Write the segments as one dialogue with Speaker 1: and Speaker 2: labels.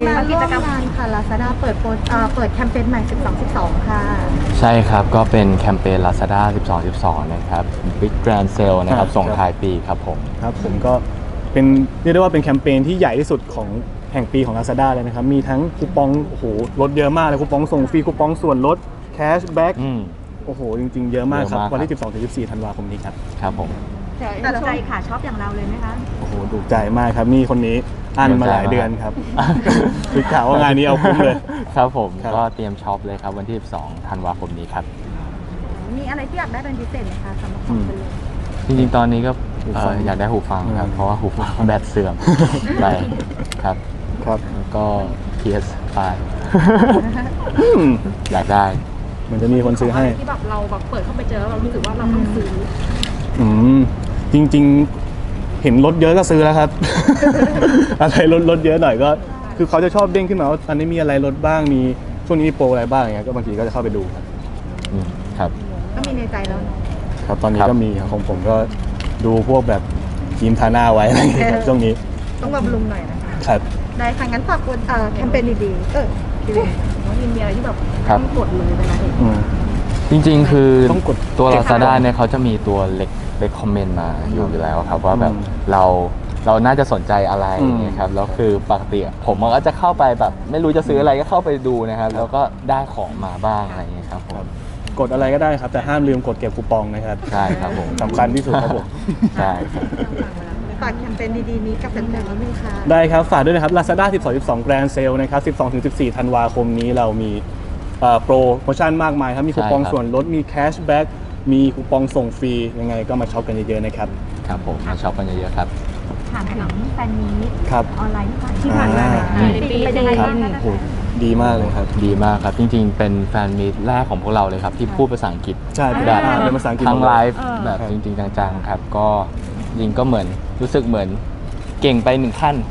Speaker 1: มาร่วมงานค่ะ Lazada เปิดแคมเปญใหม่12/12ค่ะ
Speaker 2: ใช่ครับก็เป็นแคมเปญ Lazada 12/12 นะครับ Big Grand Sale นะครับส่งท้ายปีครับผม
Speaker 3: ครับผมก็เป็นเรียกได้ว่าเป็นแคมเปญที่ใหญ่ที่สุดของแห่งปีของ Lazada เลยนะครับมีทั้งคูปองโอ้โหลดเยอะมากเลยคูปองส่งฟรีคูปองส่วนลดแคชแบ็กโอ้โหจริงๆเยอะมากครับวันที่12-14 ธันวาคมนี้ครับ
Speaker 2: ครับผม
Speaker 1: แต่ใจค่ะชอบอย่างเราเลยไหมคะ
Speaker 3: โอ้โหถูกใจมากครับนี่คนนี้อั้นมาหลายเดือนครับคือข่าวว่างานนี้เอาคุ้มเลย
Speaker 2: ครับผมก็เตรียมช็อปเลยครับวันที่12 ธันวาคมนี้ครับ
Speaker 1: มีอะไรที่อยากได้เป็นพิเศษไหมคะสำหรับคนเลย
Speaker 2: จริงๆตอนนี้ก็อยากได้หูฟังครับเพราะว่าหูฟังแบตเสื่อมไปครับแล้วก็ PS5 อยากได้
Speaker 3: มันจะมีคนซื้อให้
Speaker 1: ที่แบบเราแบบเปิดเข้าไปเจอแล้วเรารู้สึกว่าเราต้องซื้อ
Speaker 3: จริงๆเห็นรถเยอะก็ซื้อแล้วครับ อะไรรถเยอะหน่อยก็คือเขาจะชอบเด้งขึ้นมาว่าอันนี้มีอะไรลดบ้างมีช่วงนี้มีโปรอะไรบ้างอย่างเงี้ยก็บางทีก็จะเข้าไปดู
Speaker 2: ครับ
Speaker 1: ก็มีในใจแล้ว
Speaker 3: ครับตอนนี้ก็มีของผมก็ดูพวกแบบครีมทาหน้าไว้อะไรอย่างเงี้ยช่วงนี้
Speaker 1: ต้องบำรุงหน่อยนะครับได้ค่ะงั้นฝากแคมเปญดีๆน้องยินมีอะไรที่แบบต้องกดเลยเวลาเห็น
Speaker 2: จริงๆคือตัว Lazada เนี่ยเขาจะมีตัวเล็กคอมเมนต์มาอยู่แล้วครับว่าแบบเราน่าจะสนใจอะไรนะครับแล้วคือปกติผมก็จะเข้าไปแบบไม่รู้จะซื้ออะไรก็เข้าไปดูนะครับแล้วก็ได้ของมาบ้างอะไรอย่างเงี้ยครับผม
Speaker 3: กดอะไรก็ได้ครับแต่ห้ามลืมกดเก็บคูปองนะครับ
Speaker 2: ใช่ครับผม
Speaker 3: สำคัญที่สุดครับผม
Speaker 2: ใช่
Speaker 1: ฝากแคมเปญดีๆนี้กับแฟนๆแล้วนึงค่ะ
Speaker 3: ได้ครับฝากด้วยนะครับ Lazada 12/12 Grand Sale นะครับ 12-14 ธันวาคมนี้เรามีโปรโมชั่นมากมายครับมีคูปองส่วนลดมีแคชแบ็กมีคูปองส่งฟรียังไงก็มาช็อปกันเยอะๆนะครับ
Speaker 2: ครับผมมาช็อปกันเยอะๆครับ
Speaker 1: ถามถึงแฟนมีตออนไลน์ที่
Speaker 3: ผ่าน
Speaker 1: มาเป็นยังไงบ้าง
Speaker 3: ดีมากเลยครับ
Speaker 2: ดีมากครับจริงๆเป็นแฟนมีตแรกของพวกเราเลยครับที่พูดภาษาอังกฤษ
Speaker 3: ใช่
Speaker 2: แบบ
Speaker 3: เป็นภาษาอังกฤษ
Speaker 2: ทั้งไลฟ์แบบจริงๆจังๆครับก็จริงก็เหมือนรู้สึกเหมือนเก่งไปหนึ่งขั้น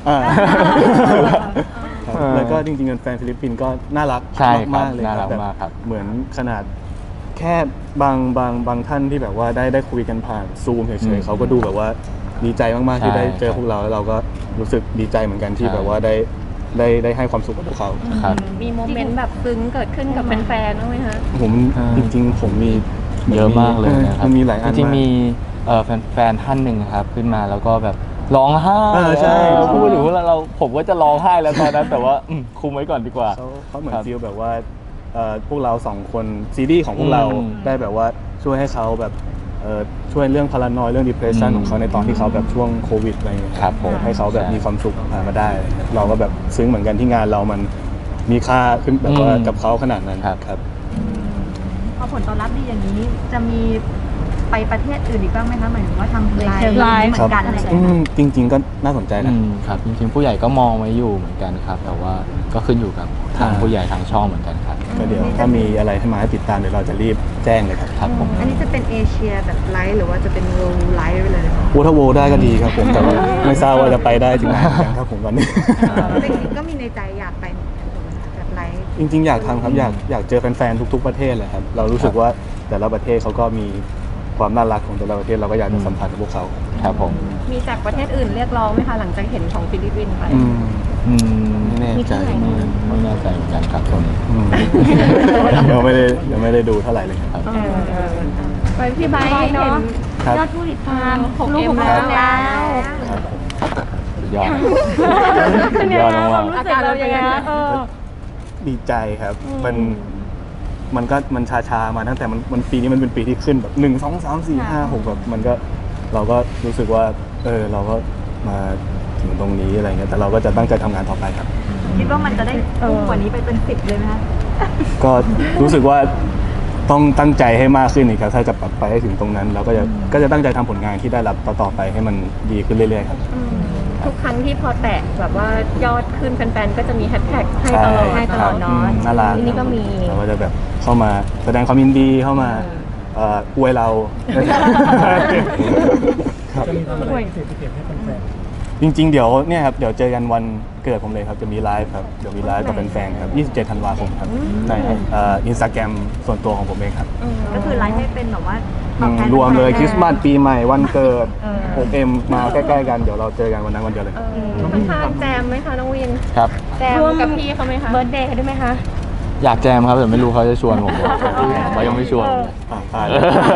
Speaker 3: แล้วก็จริงๆแฟนฟิลิปปินส์ก็น่ารักมากเลย
Speaker 2: ครับ
Speaker 3: เหมือนขนาดแค่บางท่านที่แบบว่าได้คุยกันผ่านซูมเฉยๆเขาก็ดูแบบว่าดีใจมากๆที่ได้เจอพวกเราแล้วเราก็รู้สึกดีใจเหมือนกันที่แบบว่าได้ให้ความสุขกับพวกเขา
Speaker 1: มีโมเมนต์แบบซึ้งเกิดขึ้นกับแฟนๆบ้างไหมคะ
Speaker 3: ผมจริงๆผมมี
Speaker 2: เยอะมากเลยนะครับ
Speaker 3: มีหลายอัน
Speaker 2: จริงๆมีแฟนท่านหนึ่งครับขึ้นมาแล้วก็แบบร้องไห้
Speaker 3: ใช่
Speaker 2: พูดถึงว่าผมก็จะร้องไห้แล้วตอนนั้นแต่ว่าคุมไว้ก่อนดีกว่า
Speaker 3: เขาเหมือนฟีลแบบว่าพวกเรา2 คนซีรีส์ของพวกเราได้แบบว่าช่วยให้เขาแบบช่วยเรื่องพารานอยเรื่อง depression ของเขาในตอนที่เขาแบบช่วงโควิดอะไรอย่างเงี้ยให้เขาแบบมีความสุขผ่านมาได้เราก็แบบซึ้งเหมือนกันที่งานเรามันมีค่าขึ้นแบบว่ากับเขาขนาดนั้นครับ
Speaker 1: พอผลตอบรับดีอย่างนี้จะมีไปประเทศอื่นอีกบ้างไหมคะหมายถึงว่าทำไลฟ์เหมือนกันอะไรอย่างเงี้ย
Speaker 3: จริงๆก็น่าสนใจ
Speaker 2: นะครับจริงๆผู้ใหญ่ก็มองไว้อยู่เหมือนกันครับแต่ว่าก็ขึ้นอยู่กับทางผู้ใหญ่ทางช่องเหมือนกันครับ
Speaker 3: ก็เดี๋ยวถ้ามีอะไรให้มาให้ติดตามเดี๋ยวเราจะรีบแจ้งเลยครับ
Speaker 2: ผม
Speaker 1: อันนี้จะเป็นเอเชียแบบไลฟ์หรือว่าจะเป็นเวิลด์ไลฟ์ไปเลย
Speaker 3: ถ้าโวได้ก็ดีครับผมแต่ว่าไม่ทราบว่าจะไปได้ถึงไหนครับผมวันนี้
Speaker 1: จริงๆก็มีในใจอยากไปแบบไลฟ์
Speaker 3: จริงๆอยากทำครับอยากเจอแฟนๆทุกๆประเทศเลยครับเรารู้สึกว่าแต่ละประเทศเขาก็มีความน่ารักของแต่ละประเทศเราก็อยากจะสัมผัสกับพวกเขา
Speaker 2: ครับผม
Speaker 1: มีจากประเทศอื่นเรียกร้องไหมคะหลังจากเห็นของฟิลิปปินส์ไป
Speaker 2: ไม่แน่ใจไม่แน่ใจเหมือนกันครับตรงนี้
Speaker 3: ยังไม่ได้ดูเท่าไหร่เลยครับ
Speaker 1: ไปพี่ไบค์เนาะยอดผู้ติดตาม6M แล้ว
Speaker 2: ยอดมาก
Speaker 1: อาการเรายังไง
Speaker 3: ดีใจครับมันชามาตั้งแต่มันปีนี้มันเป็นปีที่ขึ้นแบบ1 2 3 4 5 6แบบมันก็เราก็รู้สึกว่าเราก็มาถึงตรงนี้อะไรเงี้ยแต่เราก็จะตั้งใจทำงานต่อไปครับ
Speaker 1: คิดว่ามันจะได้พุ่งกว่านี้ไปเป็น10เลยไหมคะ
Speaker 3: ก็รู้สึกว่าต้องตั้งใจให้มากขึ้นอีกครับถ้าจะปรับไปให้ถึงตรงนั้นเราก็จะตั้งใจทำผลงานที่ได้รับต่อไปให้มันดีขึ้นเรื่อยๆครับ
Speaker 1: ทุกครั้งที่พอแตะแบบว่ายอดขึ้นแฟนๆก็จะมีแฮชแท็กให้ตลอดเนาะ
Speaker 3: น่ารัก
Speaker 1: นี่ก็มี
Speaker 3: เราก็จะแบบเข้ามาแสดงความยินดีเข้ามาอวยเรา
Speaker 4: จะมีทำอะไรพิเศษให้แฟน
Speaker 3: จริงๆเดี๋ยวเนี่ยครับเดี๋ยวเจอกันวันเกิดผมเลยครับจะมีไลฟ์ครับเดี๋ยวมีไลฟ์กับแฟนๆครับ27 ธันวาคมครับในInstagram ส่วนตัวของผมเองครับ
Speaker 1: ก็คือไลฟ์ให้เป็นแบบว่าตอบแทน
Speaker 3: รวมเลยคริสต์มาสปีใหม่วันเกิด
Speaker 1: เออ
Speaker 3: 6M มาใกล้ๆกันเดี๋ยวเราเจอกันวันนั้นวันเดียวเลย
Speaker 4: ข้างๆแจมไหมคะน้องวิน
Speaker 2: ครับ
Speaker 4: แจมกับพี่เขาไหมคะ
Speaker 5: เบิร์ธเดย์ได้ไหมคะ
Speaker 2: อยากแจมครับแต่ไม่รู้เขาจะชวนผมหรือเปล่าเขายังไม่ชวน
Speaker 3: ตาย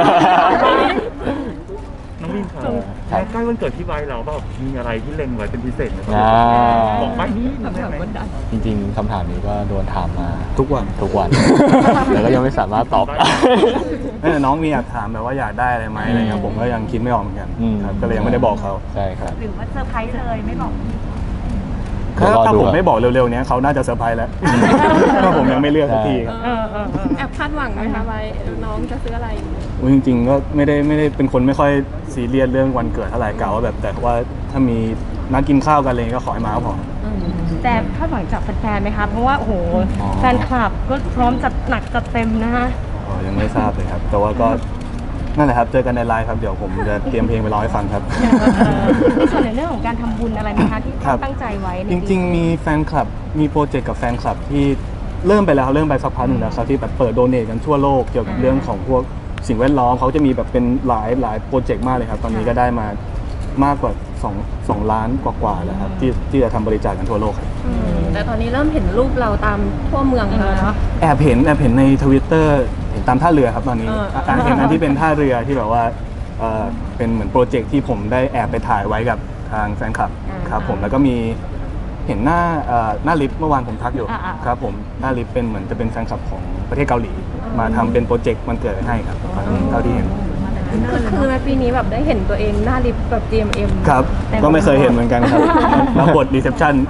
Speaker 6: น้องวินครับ
Speaker 2: ครับ
Speaker 6: ใกล้วันเกิดที่ไว้เราแบบมีอะไรที่เล็งไว้เป็นพิเศษไหมค
Speaker 2: อ่า
Speaker 6: รับบอกไปนี่ได้ไหม
Speaker 2: จริงๆคำถามนี้ก็โดนถามมา
Speaker 3: ทุกวัน
Speaker 2: ทุกวัน แต่ก็ยังไม่สามารถตอบ
Speaker 3: แต่น้องมีอยากถามแบบว่าอยากได้อะไรไหมอะไรเงี้ยผมก็ยังคิดไม่ออกเหมือนกันครับก็เลยยังไม่ได้บอกเขา
Speaker 2: ใช่ครับ
Speaker 1: หรือว่าเซอร์ไพรส์เลยไม่บอก
Speaker 3: ถ้าผมไม่บอกเร็วๆเนี้ยเขาน่าจะเซอร์ไพรส์แล้วถ้าผมยังไม่เลือกสักทีครับ
Speaker 4: แอบคาดหวังไหมคะไว้น้องจะซื้ออะไร
Speaker 3: อุ๊ยจริงๆก็ไม่ได้เป็นคนไม่ค่อยซีเรียสเรื่องวันเกิดเท่าไหร่กะว่าแบบแต่ว่าถ้ามีนัดกินข้าวกันอะไรเงี้ยก็ขอให้มาก็พอ
Speaker 5: แต่คาดหวังจากแฟนๆไหมคะ เพราะว่าโอ้โห
Speaker 3: อ๋อ
Speaker 5: แฟนคลับก็พร้อมจัดหนักจัดเต็มนะคะ
Speaker 3: อ๋อยังไม่ทราบเลยครับ แต่ว่าก็นั่นแหละครับเจอกันในไลน์ครับเดี๋ยวผมจะเตรียมเพลงไปร้องให้ฟังครับ
Speaker 5: ในส่วนในเรื่องของการทำบุญอะไรไหมคะที่
Speaker 3: ครับ
Speaker 5: ตั้งใจไว้ใน
Speaker 3: จริงๆ มีแฟนคลับ มีโปรเจกต์กับแฟนคลับที่เริ่มไปแล้วเริ่มไปสักพักหนึ่งแล้วครับที่แบบเปิดโดเนทกันทั่วโลกเกี่ยวกับเรื่องของพวกสิ่งแวดล้อมเขาจะมีแบบเป็นหลายโปรเจกต์มากเลยครับ ตอนนี้ก็ได้มามากกว่า2 ล้านกว่าๆแล้วครับที่จะทำบริจาคกันทั่วโลกครับ
Speaker 4: แต่ตอนนี้เริ่มเห็นรูปเราตามทั่วเมืองแล้วเนาะ
Speaker 3: แอบเห็นในทวิตเตอร์เห็นตามท่าเรือครับตอนนี้เห็นอันที่เป็นท่าเรือที่แบบว่าเป็นเหมือนโปรเจกต์ที่ผมได้แอบไปถ่ายไว้กับทางแฟนคลับครับผมแล้วก็มีเห็นหน้าลิฟต์เมื่อวานผมทักอยู่ครับผมหน้าลิฟต์เป็นเหมือนจะเป็นแฟนคลับของประเทศเกาหลีมาทำเป็นโปรเจกต์มันเกิดให้ครับตอนนี้เท่าที่เห็น
Speaker 4: คือในปีนี้แบบได้เห็นตัวเองหน้าลิฟต์แบบ GMM
Speaker 3: ครับก็ไม่เคยเห็นเหมือนกันครับแล้วบทรีเซพชั่น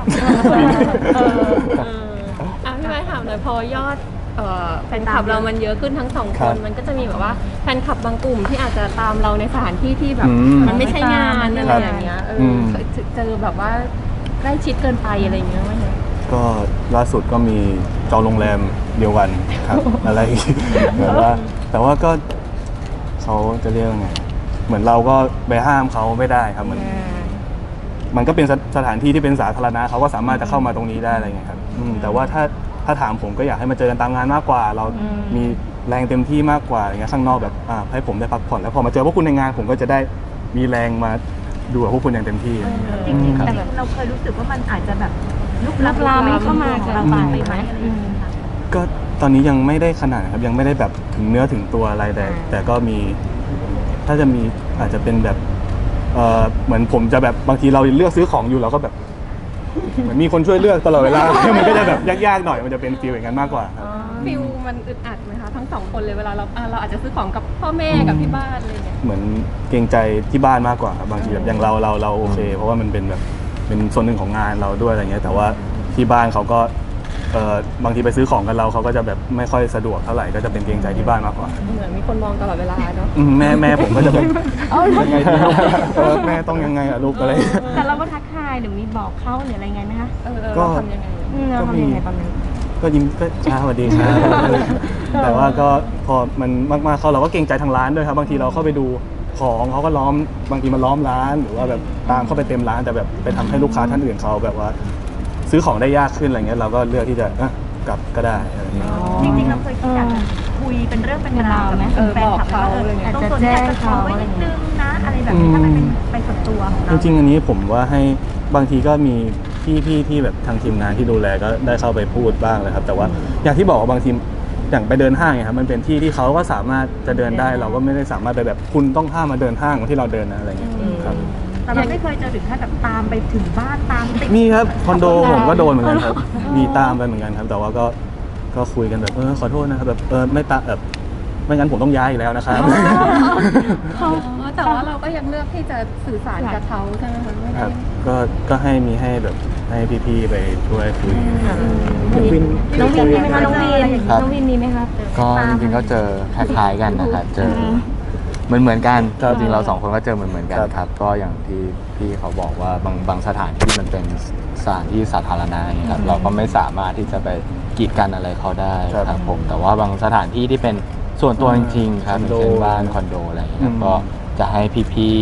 Speaker 4: พี่ไม้ถามหน่อยพอยอดแฟนคลับเรามันเยอะขึ้นทั้งสอง
Speaker 3: ค
Speaker 4: ค
Speaker 3: รั
Speaker 4: น
Speaker 3: บ
Speaker 4: มันก็จะมีแบบว่าแฟนคลับบางกลุ่มที่อาจจะตามเราในสถานที่ที่แบบ
Speaker 3: อืม
Speaker 4: มันไม่ใช่งานอะไร
Speaker 3: ครับ
Speaker 4: อย่างเงี้ย
Speaker 3: ม
Speaker 4: เคยเจอแบบว่าใกล้ชิดเกินไปอะไรอย่างเงี้ยไหมคะ
Speaker 3: ก็ล่าสุดก็มีจองโรงแรมเดียวกันครับ อะไรอีกแบบว่าแต่ว่าก็เขาจะเรียกว่าไงเหมือนเราก็ไปห้ามเขาไม่ได้ครับมันก็เป็นสถานที่ที่เป็นสาธารณะเขาก็สามารถจะเข้ามาตรงนี้ได้อะไรเงี้ยครับแต่ว่าถ้าถามผมก็อยากให้มาเจอกันตามงานมากกว่า เรามีแรงเต็มที่มากกว่าอย่างเงี้ยข้างนอกแบบให้ผมได้พักผ่อนแล้วพอมาเจอพวกคุณในงานผมก็จะได้มีแรงมาดูกับพวกคุณอย่างเต็มที่อะไรเงี้ย
Speaker 1: จริงๆ
Speaker 3: ครับ
Speaker 1: แต่เราเคยรู้สึกว่ามันอาจจะแบบลุก
Speaker 5: ลามเข้ามา
Speaker 1: ของเรา
Speaker 5: เกิน
Speaker 1: ไป
Speaker 5: ไป
Speaker 1: ไหม
Speaker 5: ไหม
Speaker 1: อะไรอย่างเงี้ยค่ะ
Speaker 3: ก็ตอนนี้ยังไม่ได้ขนาดนะครับยังไม่ได้แบบถึงเนื้อถึงตัวอะไรแต่ก็มีถ้าจะมีอาจจะเป็นแบบเหมือนผมจะแบบบางทีเราเลือกซื้อของอยู่เราก็แบบเหมือนมีคนช่วยเลือกตลอดเวลา มันก็จะแบบยากๆหน่อยมันจะเป็นฟีลอย่างนั้นมากกว่าครับ
Speaker 4: ฟิลมันอึดอัดไหมคะทั้งสองคนเลยเวลาเราอาจจะซื้อของกับพ่อแม่กับที่บ้านอะไรเงี้ย
Speaker 3: เหมือนเกรงใจที่บ้านมากกว่าครับบางทีแบบอย่างเราโอเค เพราะว่ามันเป็นแบบเป็นส่วนหนึ่งของงานเราด้วยอะไรเงี้ยแต่ว่าที่บ้านเขาก็บางทีไปซื้อของกันเราเขาก็จะแบบไม่ค่อยสะดวกเท่าไหร่ก็จะเป็นเกรงใจที่บ้านมากกว่า
Speaker 4: เหมือนมีคนมองตลอดเวลาเนาะ
Speaker 3: แม่ผมก็จะแบบยังไงดีแม่ต้องยังไงอะลูกอะไร
Speaker 5: แต่เราก็ทักทายหรือมีบอกเขาหรืออะไรไงไหมคะ
Speaker 4: เราทำยังไง
Speaker 5: เราทำยังไงตอนนั้น
Speaker 3: ก็ยิ้มก็สวัสดีครับ แต่ว่าก็พอมันมากๆเขาเราก็เกรงใจทางร้านด้วยครับบางทีเราเข้าไปดูของเขาก็ล้อมบางทีมันล้อมร้านหรือว่าแบบตามเข้าไปเต็มร้านแต่แบบไปทำให้ลูกค้าท่านอื่นเขาแบบว่า ซื้อของได้ยากขึ้นอะไรเงี้ยเราก็เลือกที่จะกลับก็ได้อะไรเงี้ย
Speaker 1: จริงๆเราเคยคิดอยากจะคุยเป็นเรื่องเป็นราวกับแฟนคลับว่าต้องสนใจกับเขาไว้นิดนึงนะอะไรแบบนี้ถ้ามันเป็นไปส่วนตัวของ
Speaker 3: จ
Speaker 1: เรา
Speaker 3: ริงๆอันนี้ผมว่าให้บางทีก็มีพี่ที่แบบทางทีมงานที่ดูแลก็ได้เข้าไปพูดบ้างเลยครับแต่ว่าอย่างที่บอกว่าบางทีอย่างไปเดินห้างเนี่ยครับมันเป็นที่ที่เขาก็สามารถจะเดินได้เราก็ไม่ได้สามารถไปแบบคุณต้องห้ามมาเดินห้างที่เราเดินนะอะไรเงี้ยครับ
Speaker 1: แต่เราไม่เคยเจอถึงขั้นแบบตามไปถึงบ้านตามติด
Speaker 3: มีครับคอนโดผมก็โดนเหมือนกันครับมีตามไปเหมือนกันครับแต่ว่าก็คุยกันแบบขอโทษนะครับแบบไม่ตามแบบไม่งั้นผมต้องย้ายอีกแล้วนะครับ
Speaker 4: แต่ว่าเราก็ยังเลือกที่จะสื่อสารกับเขาใช่ไหมคะไม่
Speaker 3: ค
Speaker 4: ได้
Speaker 3: รับก็ให้แบบให้พี่ๆไปช่วยคุย
Speaker 5: น้องวินมีไหมคะน้องวิน
Speaker 2: ครับ
Speaker 5: น้องวินมีไหมคะ
Speaker 2: ก็จริงๆก็เจอคล้ายๆกันนะครับเจอเหมือนกัน
Speaker 3: ครับ
Speaker 2: จริงๆเราสองคนก็เจอเหมือนกัน
Speaker 3: ครับ
Speaker 2: ครับ ก็อย่างที่พี่เขาบอกว่าบางสถานที่มันเป็นสถานที่สาธารณะอย่างเงี้ยครับเราก็ไม่สามารถที่จะไปกีดกันอะไรเขาได้ครับผมแต่ว่าบางสถานที่ที่เป็นส่วนตัวจริงๆครับอย่างเช่นบ้านคอนโดอะไรอย่างเงี้ยครับก็จะให้พี่ๆ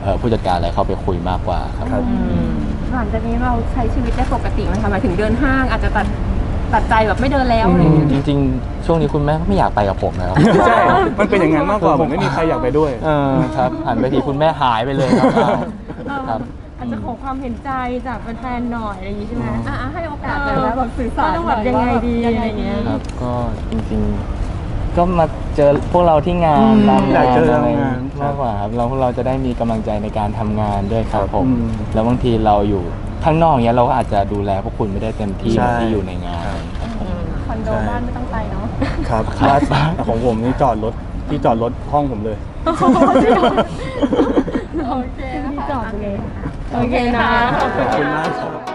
Speaker 2: ผู้จัดการอะไรเข้าไปคุยมากกว่าครับ
Speaker 3: ครับ
Speaker 4: หลังจากนี้เราใช้ชีวิตได้ปกติไหมคะหมายถึงเดินห้างอาจจะตัดใจแบบไม่เดินแล้วอะไรอย่างเงี้ย
Speaker 2: จริงๆ ช่วงนี้คุณแม่ก็ไม่อยากไปกับผมแล้ว
Speaker 3: ใช่มันเป็นอย่างนั้นมากกว่าผมไม่มีใครอยากไปด้วย
Speaker 2: ครับหันไปทีคุณแม่หายไปเลยครับครับ
Speaker 5: อาจจะขอความเห็นใจจากแฟนๆหน่อยอะไรอย่างงี้ใช่ไหม
Speaker 4: ให้โอกาสเลยนะแบบสื่อสาร
Speaker 5: ต้องแบบยังไงดีอะไรอย่างเงี้ย
Speaker 2: ครับก็จริงๆ ก็มาเจอพวกเราที่งานตาม
Speaker 3: อยาก
Speaker 2: งาน
Speaker 3: เจอ
Speaker 2: อะไร
Speaker 3: งาน
Speaker 2: มากกว่าครับเราพวกเราจะได้มีกำลังใจในการทำงานด้วยครับผม
Speaker 3: อืม
Speaker 2: แล้วบางทีเราอยู่ข้างนอกเนี้ยเราก็อาจจะดูแลพวกคุณไม่ได้เต็มที่
Speaker 3: ใช่
Speaker 2: เหมือนที่อยู่ในงาน
Speaker 4: คอนโดบ้านไม่ต้องไปเนาะ
Speaker 3: ครับของผมนี่จอดรถที่จอดรถห้องผมเลย
Speaker 4: โอเคนะคะ
Speaker 5: โอเคนะ
Speaker 3: ขอบคุณมากครับ